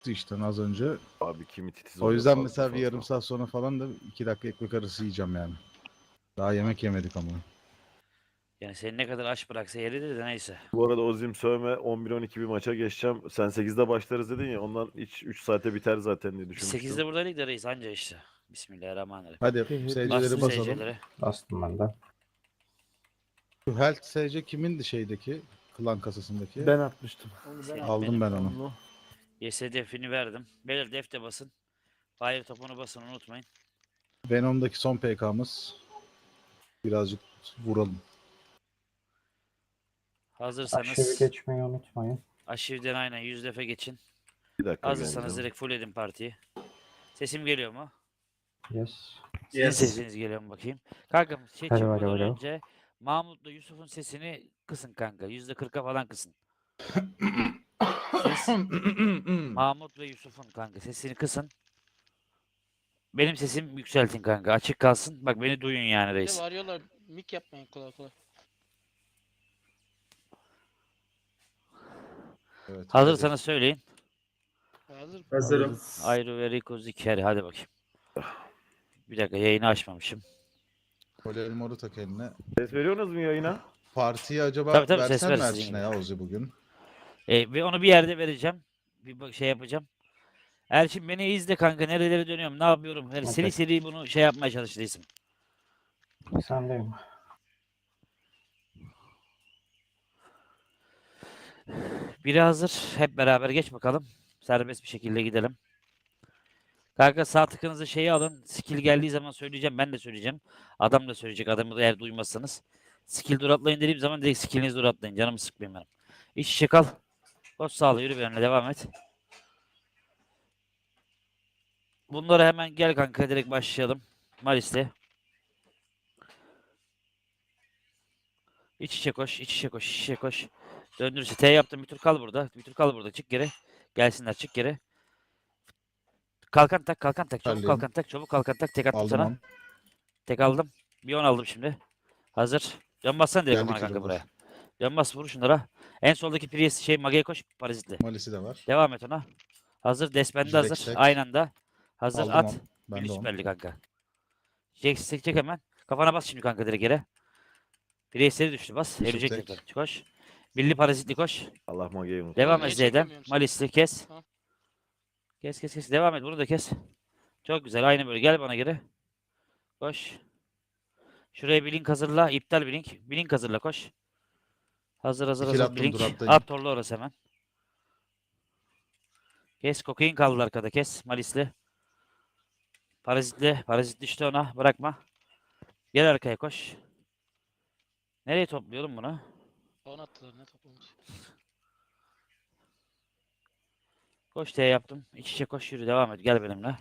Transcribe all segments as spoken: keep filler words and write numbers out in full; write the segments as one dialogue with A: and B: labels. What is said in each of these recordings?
A: çıktı işte az önce.
B: Abi kimi titiz
A: O
B: oluyor
A: yüzden
B: fazla
A: mesela bir
B: fazla.
A: yarım saat sonra falan da iki dakika ekmek arası yiyeceğim yani. Daha yemek yemedik ama.
C: Yani seni ne kadar aç bıraksa yeridir de neyse.
B: Bu arada Ozim sövme on bir on iki bir maça geçeceğim. Sen sekizde başlarız dedin ya ondan hiç üç saate biter zaten diye
C: Biz
B: düşünmüştüm.
C: sekizde buradaydık da reis anca işte. Bismillahirrahmanirrahim.
A: Hadi
D: Bir-
A: S C'leri
C: Bastın
A: basalım.
C: S C'lere.
D: Bastım ben de.
A: Şu Health S C kimindi şeydeki? Klan kasasındaki.
E: Ben atmıştım.
C: Senin
A: Aldım
C: benim.
A: ben onu.
E: Onu.
C: Y S defini verdim. Beyler def de basın. Fire topunu basın unutmayın.
A: Venom'daki son P K'mız. Birazcık vuralım.
C: Hazırsanız
D: Aşağı geçmeyi unutmayın.
C: aşivden aynen yüz defa geçin.
B: Bir dakika
C: Hazırsanız
B: geleceğim.
C: direkt full edin partiyi. Sesim geliyor mu?
D: Yes.
C: Sizin
F: Yes.
C: sesiniz geliyor mu bakayım? Kanka şey
D: Hadi
C: çıkmadan
D: bakalım.
C: önce Mahmut'la Yusuf'un sesini kısın kanka. Yüzde kırka falan kısın. Siz Mahmut ve Yusuf'un kanka sesini kısın. Benim sesim yükseltin kanka. Açık kalsın. Bak beni duyun yani
F: Bir de
C: reis.
F: varıyorlar. Mik yapmayın kolay kolay.
A: Evet,
C: Hazırsanız söyleyin.
F: Hazır. Hazırım.
C: Ayru ve Rico Zikeri. Hadi bakayım. Bir dakika yayını açmamışım.
A: Böyle elmoru tak eline.
B: Ses veriyorsunuz mu yayına?
A: Partiyi acaba
C: Tabii, tabii, ses
A: versen
C: ver
A: mi
C: sizin
A: Erçin'e
C: gibi.
A: ya Ozi bugün?
C: E, ve onu bir yerde vereceğim. Bir bak- şey yapacağım. Erçin beni izle kanka. Nerelere dönüyorum? Ne yapıyorum? Yani seri
D: Okey.
C: seri bunu şey yapmaya çalıştıysam.
D: Sendeyim.
C: Biri hazır. Hep beraber geç bakalım. Serbest bir şekilde gidelim. Kanka sağ tıkınızı şeyi alın. Skill geldiği zaman söyleyeceğim. Ben de söyleyeceğim. Adam da söyleyecek. Adamı da eğer duymazsanız. Skill dur atlayın dediğim zaman direkt skillinizi dur atlayın. Canımı sıkmayın benim. İç içe kal. Koş sağla yürü benimle devam et. Bunlara hemen gel kanka direkt başlayalım. Malis'le. İç içe koş, iç içe koş, iç içe koş. Döndürürse T yaptım bir tur kal burada. Bir tur kal burada. Çık geri. Gelsinler çık geri. Kalkan tak, kalkan tak. Çabuk
A: Halledin.
C: kalkan tak, çabuk kalkan tak. Tek attım
A: Aldım
C: sana.
A: onu.
C: Tek aldım. Bir on aldım şimdi. Hazır. Dön bassana direkt
A: Geldi
C: kafana kanka
A: kilo
C: buraya. Dön bas vur şunlara. En soldaki Prius şey Mage'ye koş parazitli.
A: Malisi de var.
C: Devam et ona. Hazır. Despendi
A: Jack
C: hazır.
A: Stack.
C: Aynı anda. Hazır
A: Aldım
C: at.
A: onu. Ben
C: Bir
A: de onu.
C: süperli kanka. Jack Stack çek hemen. Kafana bas şimdi kanka direkt yere. Prius'leri düştü bas.
A: Yusuf
C: Ölecek
A: tek.
C: tekrar. Koş. Birli parazitli koş.
B: Allah mageyi unut.
C: Devam
F: Niye
C: et Z'den.
F: çekemiyorum seni?
C: Malisli kes.
F: Tamam.
C: Kes kes kes. Devam et. Bunu da kes. Çok güzel. Aynı böyle. Gel bana geri. Koş. Şuraya bir link hazırla. İptal bir link. Bir link hazırla koş. Hazır hazır
A: İkili
C: hazır.
A: attım,
C: Bir link.
A: dur attayım.
C: At torlu orası hemen. Kes. Kokain kaldı arkada. Kes. Malisli. Parazitli. Parazit düştü ona. Bırakma. Gel arkaya koş. Nereye topluyorum bunu?
F: On attılar ne toplamış.
C: Koş T yaptım. İç içe koş yürü. Devam et. Gel benimle.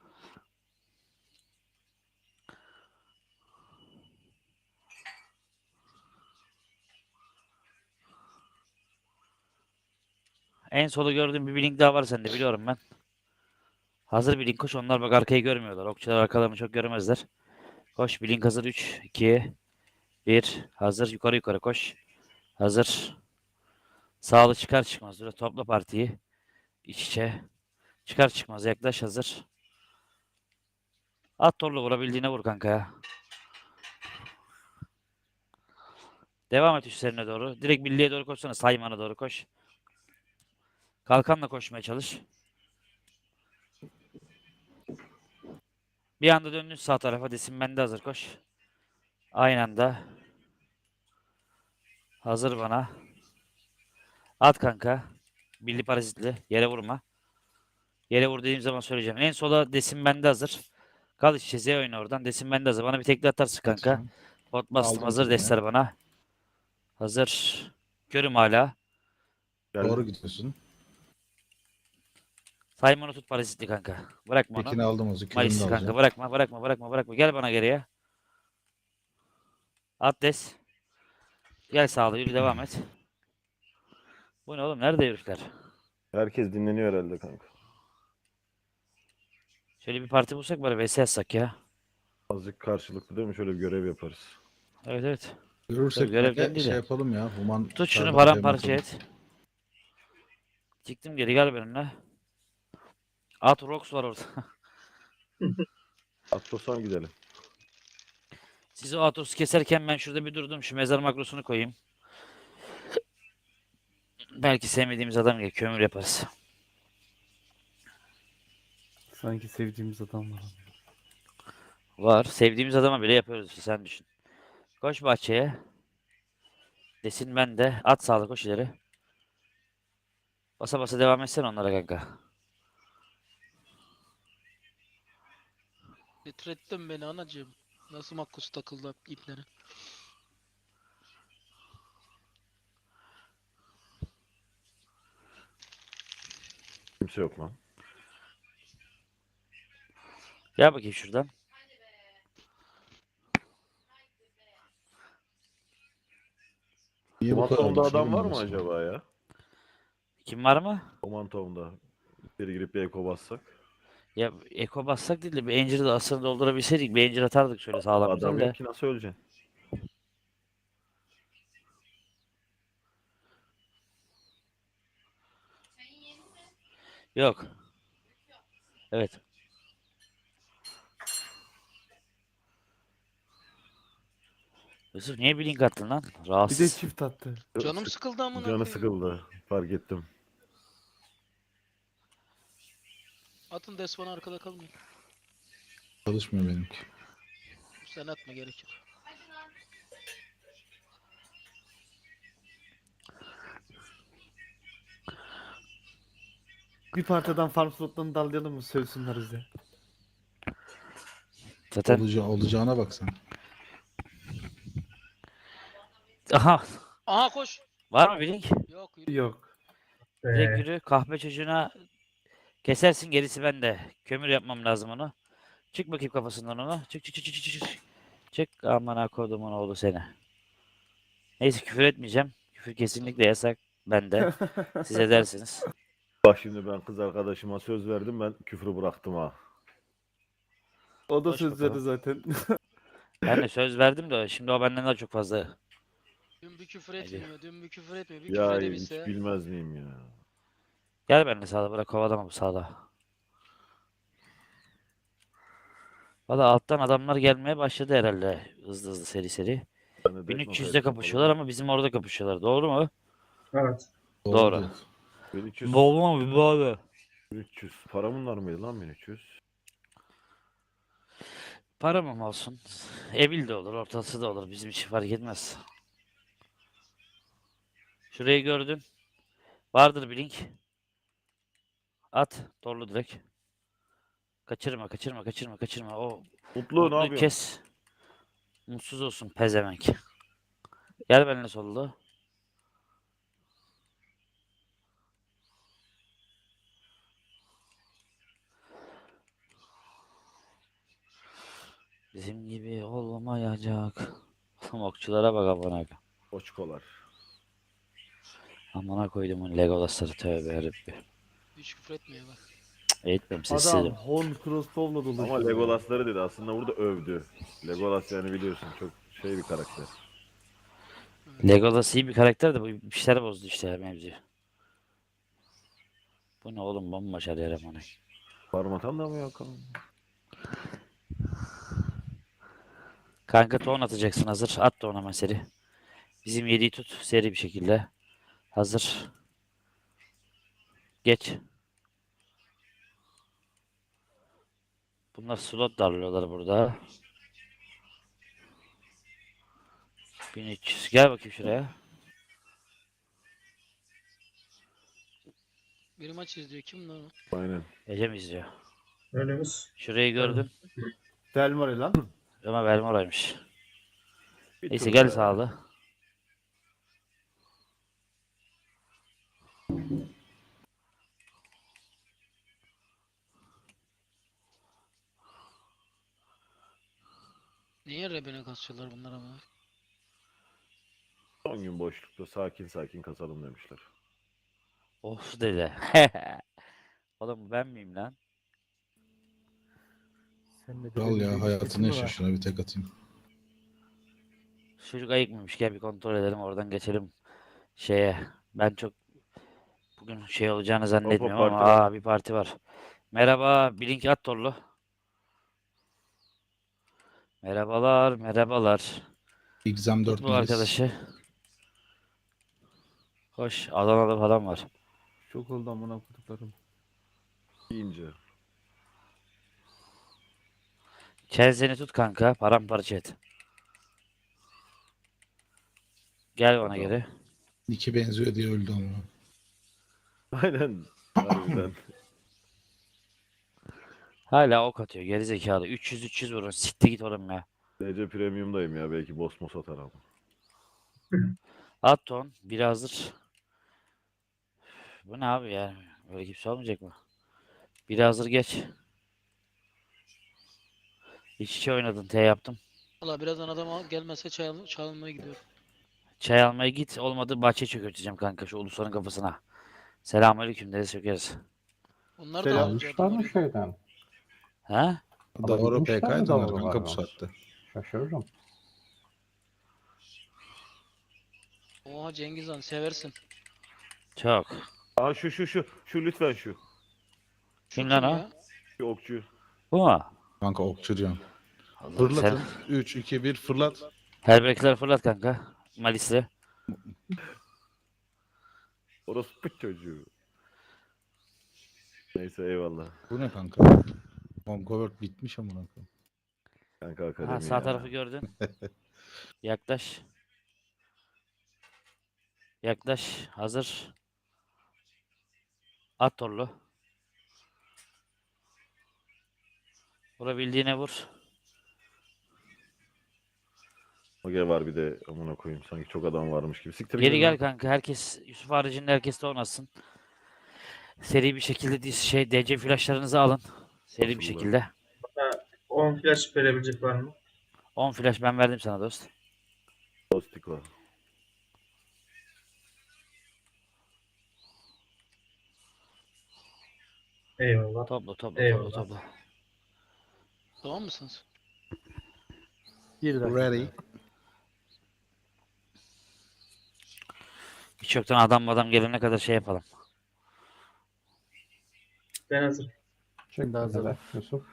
C: En solu gördüğüm bir link daha var sende biliyorum ben. Hazır bir link koş. Onlar bak arkayı görmüyorlar. Okçular arkalarını çok göremezler. Koş bir link hazır. üç, iki, bir. Hazır. Yukarı yukarı koş. Hazır. Sağlı çıkar çıkmaz. Dur topla partiyi. İç içe. Çıkar çıkmaz. Yaklaş hazır. At torlu vurabildiğine vur kanka ya. Devam et üstlerine doğru. Direkt birliğe doğru koşsana. Saymana doğru koş. Kalkanla koşmaya çalış. Bir anda döndün sağ tarafa. Desin bende hazır koş. Aynı anda. Hazır bana. At kanka. Birli parazitli. Yere vurma. Yere vur dediğim zaman söyleyeceğim. En sola desin bende hazır. Kal işte Z oyna oradan. Desin bende hazır. Bana bir tekli atarsın kanka.
A: Atıyorum.
C: Pot bastım
A: Aldım
C: hazır
A: tekniği.
C: destler bana. Hazır. Görüm hala.
B: Geldi.
A: Doğru gidiyorsun.
C: Simon'u tut parazitli kanka. Bırakma onu.
A: Tekini aldım Ozi. Kilini de
C: Malisli kanka
A: alacağım.
C: bırakma bırakma bırakma bırakma. Gel bana geriye. At des. Gel sağlı yürü devam et. Bu ne oğlum? Nerede herifler?
B: Herkes dinleniyor herhalde kanka.
C: Şöyle bir parti bulsak bari vs yazsak ya.
B: Azıcık karşılıklı değil mi? Şöyle bir görev yaparız.
C: Evet evet.
A: Görürsek
C: Görevden
A: de
C: değil
A: şey
C: de.
A: yapalım ya. Human
C: Tut şunu
A: Serdar'ı
C: paramparça
A: yapalım.
C: et. Çıktım geri gel benimle. Atrox var orada.
B: Atlasan gidelim.
C: Siz o Atros'u keserken ben şurada bir durdum. Şu mezar makrosunu koyayım. Belki sevmediğimiz adam gelir. Kömür yaparız.
E: Sanki sevdiğimiz adam var.
C: Var. Sevdiğimiz adama bile yapıyoruz işte, sen düşün. Koş bahçeye. Desin ben de. At sağlık, koş ileri. Basa basa devam etsen onlara kanka.
F: Titrettin beni anacığım. Nasıl makkus takıldı iplere.
B: Kimse yok lan.
C: Gel bakayım şuradan.
A: Niye bu kadar
B: Komantov'da
A: düşürdün
B: adam var mı
A: mesela?
B: acaba ya?
C: Kim var mı?
B: Komantov'da. Bir girip bir eko bassak.
C: Ya eko bassak değil de bir Angel'ı da asırı doldurabilseydik bir Angel atardık şöyle sağlam
B: Adam
C: güzel de.
B: yok ki, nasıl öleceksin?
C: Yok. Evet. Yusuf niye bir link attın lan?
E: Bir de
C: Rahatsız.
E: çift attı.
F: Canım sıkıldı amına
B: Canı
F: koyayım.
B: sıkıldı. Fark ettim.
F: Atın Desvan'ı arkada kalmayın.
A: Çalışmıyor benimki.
F: Sen atma, gerek yok.
E: Bir partiden farm slotlarını dallayalım mı? Sövsünler bize.
C: Zaten
A: Olaca olacağına bak sen.
C: aha,
F: Aha koş.
C: var mı bir link?
F: Yok yürü.
E: Yok.
C: Direkt yürü kahpe çocuğuna kesersin, gerisi bende. Kömür yapmam lazım onu. Çık bakayım kafasından onu. Çık çık çık çık çık çık. Çık amına kodumun oğlu seni. Neyse küfür etmeyeceğim. Küfür kesinlikle yasak bende. Siz edersiniz.
B: Bak şimdi ben kız arkadaşıma söz verdim, ben küfrü bıraktım ha.
E: O da
C: Koş
E: söz verdi
C: bakalım.
E: zaten.
C: Ben de söz verdim de şimdi o benden daha çok fazla.
F: Dün bir küfür
C: Hadi.
F: etmiyor. Dün bir küfür etmiyor. Bir
B: Ya
F: küfür
B: hiç
F: edebilse.
B: bilmez miyim ya?
C: Gel benimle sağda, bırak kovalama bu sağda. Valla alttan adamlar gelmeye başladı herhalde. Hızlı hızlı seri seri.
B: Ben de
C: bin
B: Death
C: üç yüzde
B: Note'a
C: kapışıyorlar ama bizim orada kapışıyorlar. Doğru mu?
G: Evet.
C: Doğru.
A: diyor.
B: bin üç yüz,
C: Doğru mu? Bir bağlı.
B: bin üç yüz. Para bunlar mıydı lan bin üç yüz?
C: Para mı olsun? Evil de olur, ortası da olur. Bizim için fark etmez. Şurayı gördün. Vardır bir link. At. Torlu direkt. Kaçırma, kaçırma, kaçırma, kaçırma. O
B: Mutlu ne
C: mutluyu
B: yapıyorsun?
C: kes. Mutsuz olsun pezevenk. Gel benimle sollu. Bizim gibi olmayacak. Oğlum okçulara bak amına.
B: Koçkolar.
C: Amına koyduğumun Legolas'ları, tövbe yarabbi.
F: Hiç küfür etmiyor bak.
C: Eğitmem
E: Adam
C: sessizim.
E: horn crossbow'la dolaşıyor.
B: Ama Legolas'ları dedi, aslında burada övdü. Legolas yani biliyorsun çok şey bir karakter.
C: Legolas iyi bir karakter de bu bir şeyler bozdu işte mevzu. Bu ne oğlum, bomboş her yer amına.
B: Parmatan da mı yok?
C: Kanka ton atacaksın, hazır. At da ona hemen seri. Bizim yediği tut seri bir şekilde. Hazır. Geç. Bunlar slot darlıyorlar burada. bin üç yüz. Gel bakayım şuraya.
F: Bir maç izliyor. Kim lan o?
B: Aynen.
C: Ece mi izliyor?
G: Önümüz.
C: Şurayı gördün.
E: Delmore lan.
C: Ama Belmora'ymış.
B: Bir
C: Neyse
B: tur
C: gel
B: be.
C: sağlı.
F: Niye rebene kasıyorlar bunlar ama?
B: Son gün boşlukta sakin sakin kasalım demişler.
C: Of dede. Oğlum ben miyim lan?
E: Sen de
A: Kral
E: benim
A: ya
E: bir
A: hayatını
E: sesin mi
A: yaşa,
E: var?
A: şuna bir tek atayım.
C: Çocuk ayık mıymış? Gel bir kontrol edelim, oradan geçelim şeye. Ben çok bugün şey olacağını zannetmiyorum ama
B: parti var.
C: aa bir parti var. Merhaba, Blink at torlu. Merhabalar, merhabalar.
A: Exam dört
C: Tut bu
A: Melis.
C: arkadaşı. Hoş, Adana'da falan var.
E: Çok oldu amına koduklarım.
B: İnce.
C: Chelsea'ni tut kanka, paramparça et. Gel bana
B: Adam.
C: geri.
A: İki benziyor diye öldü ama.
B: Aynen. Harbiden.
C: Hala ok atıyor, geri zekalı. üç yüz üç yüz vurun, siktir git oğlum ya.
B: D C Premium'dayım ya. Belki boss mos atar ama.
C: At ton, biri hazır. Bu ne abi ya? Böyle kimse olmayacak mı? Biri hazır geç. İç içe oynadın, T yaptım.
F: Valla birazdan adam al- gelmezse çay al- çalmaya gidiyorum.
C: Çay almaya git. Olmadı bahçe çökerteceğim kanka şu ulusanın kafasına. Selamünaleyküm deriz çökeriz.
F: Onlar da
E: Selam.
F: alınca
D: Almışlar
F: adam
D: mı
F: arıyor.
D: şeyden?
C: Ha?
A: Doğru
D: Alabilmişler mi
A: P K'ydı
D: doğru
A: kanka bu
D: var
A: saatte.
D: Şaşırırım.
F: Oha Cengiz Han seversin.
C: Çok.
B: Aa şu şu şu. Şu lütfen şu.
F: Şu
C: Kim lan o?
F: ya?
B: Şu okçu.
C: Bu mu?
A: Kanka okçuracağım.
C: Allah'ım
A: Fırlatın.
C: sen.
A: üç, iki, bir fırlat.
C: Helbekler fırlat kanka. Malisli.
B: Orospu çocuğu. Neyse eyvallah.
A: Bu ne kanka? Conqueror bitmiş ama kanka.
B: Kanka akademi
C: Ha, sağ
B: ya.
C: tarafı gördün. Yaklaş. Yaklaş. Hazır. At torlu. Vurabildiğine vur.
B: Oge var bir de amına koyayım. Sanki çok adam varmış gibi. Siktir
C: Geri
B: gidin
C: gel
B: lan.
C: kanka. Herkes Yusuf haricinde herkes de oynasın. Seri bir şekilde diz- şey D C flashlarınızı alın. Seri bir
B: Nasıl
C: şekilde.
G: on flash verebilecek var mı?
C: on flash ben verdim sana dost.
B: Dostik var.
G: Eyvallah.
C: Topla topla
G: Eyvallah.
C: topla topla.
F: Tamam mısınız?
E: Bir dakika.
A: Ready.
C: Hiç yoktan adam adam gelene kadar şey yapalım.
G: Ben hazır.
D: Çık
E: de hazırım.
D: hele Yusuf.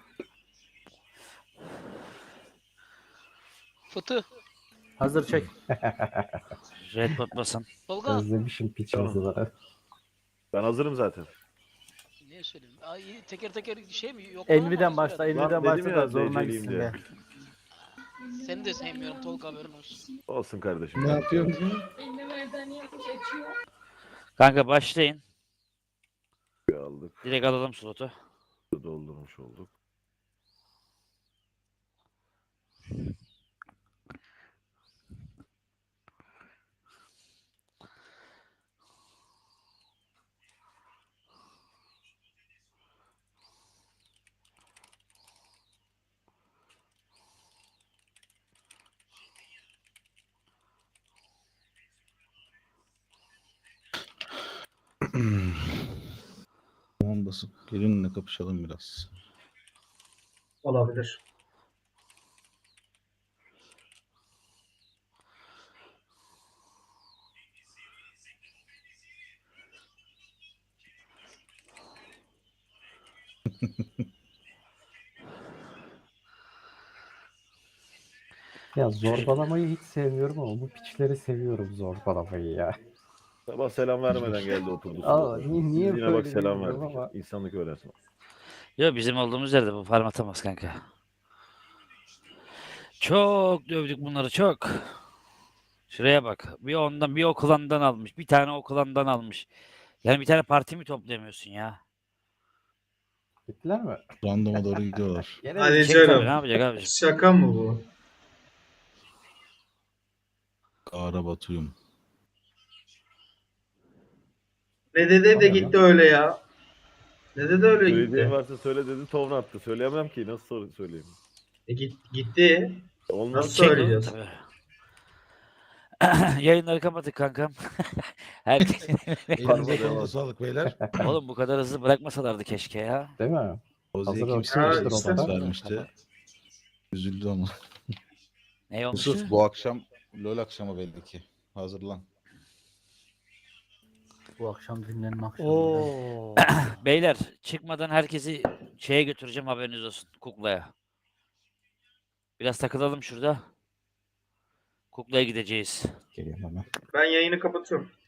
F: Fıtı.
E: Hazır çek.
C: Red bot basın.
F: Tolga.
D: Özlemişim piç
B: Tamam.
D: yazıları.
B: Ben hazırım zaten.
F: Niye söyleyeyim? Ay, teker teker şey mi? Yok
E: Envy'den başla.
B: Lan
E: Envy'den
B: dedim
E: başla
B: ya,
E: da zoruna
B: deceliyim
E: gitsin
B: diye.
E: de.
F: Seni de sevmiyorum Tolga haberin olsun.
B: Olsun kardeşim.
A: Ne yapıyorsun?
C: Kanka başlayın.
B: Aldık.
C: Direkt alalım slotu.
B: Doldurmuş olduk.
A: Tamam basıp gelinle kapışalım biraz.
G: Olabilir.
D: Ya zorbalamayı hiç sevmiyorum ama bu piçleri seviyorum zorbalamayı ya.
B: Sabah selam vermeden geldi oturdu.
D: Aa,
B: sırada.
D: niye- niye
B: Biz yine bak
D: böyle
B: selam
D: bilmiyorum
B: verdik.
D: ama.
B: İnsanlık öğrensin.
C: Yo bizim olduğumuz yerde bu farm atamaz kanka. Çok dövdük bunları çok. Şuraya bak. Bir ondan bir okulandan almış. Bir tane okulandan almış. Yani bir tane parti mi toplayamıyorsun ya?
D: Gittiler mi?
A: Random'a doğru gidiyorlar.
D: Gene
G: Hadi
C: Çek tabii, ne
G: canım.
C: yapacak abiciğim?
G: Şaka mı bu?
A: Kara batıyım.
G: Ne dedi de gitti öyle ya. Ne dedi öyle
B: Söylediğin
G: gitti.
B: varsa söyle dedi. Tovun attı. Söyleyemem ki. Nasıl sor- söyleyeyim?
G: E git, gitti.
B: Olmaz.
G: Nasıl
C: Çek
G: söyleyeceğiz?
C: tabii. Yayınları kapatın kankam. Herkes...
A: Elinize
B: devam.
A: kolunuza sağlık beyler.
C: Oğlum bu kadar hızlı bırakmasalardı keşke ya.
D: Değil mi?
A: Ozi'ye
D: Hazır
A: kimse
G: olsun.
A: bir
G: Ha,
A: lisans
G: işte.
A: vermişti. Üzüldü ama.
C: Ne olmuştu?
A: Yusuf bu akşam LoL akşamı belli ki. Hazırlan.
E: Bu akşam dinlenme akşamı.
F: Oo.
C: Beyler çıkmadan herkesi şeye götüreceğim, haberiniz olsun, kuklaya. Biraz takılalım şurada. Kuklaya gideceğiz.
H: Geliyorum hemen.
G: Ben yayını kapatıyorum.